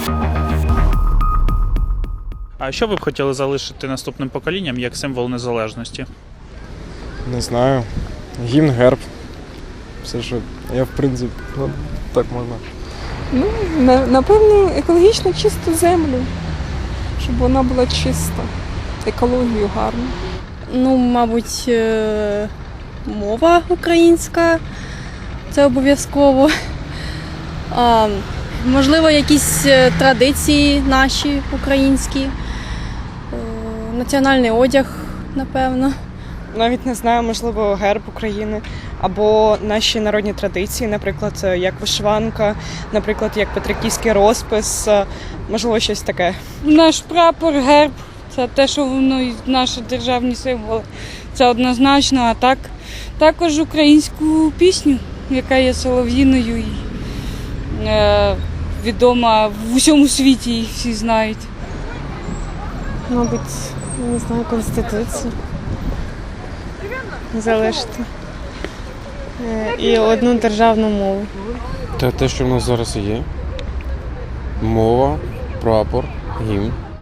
А що ви б хотіли залишити наступним поколінням як символ незалежності? Не знаю. Гімн, герб. Все, що я в принципі, так можна. Ну, напевно, екологічно чисту землю, щоб вона була чиста, екологію гарну. Ну, мабуть, мова українська, це обов'язково. Можливо, якісь традиції наші українські, національний одяг, напевно. Навіть не знаю, можливо, герб України або наші народні традиції, наприклад, як вишиванка, наприклад, як петриківський розпис, можливо, щось таке. Наш прапор, герб, це те, що воно наші державні символи. Це однозначно, а так також українську пісню, яка є солов'їною і відома в усьому світі, її всі знають. Мабуть, не знаю, Конституцію залишити. І одну державну мову. Те, що в нас зараз є. Мова, прапор, гімн.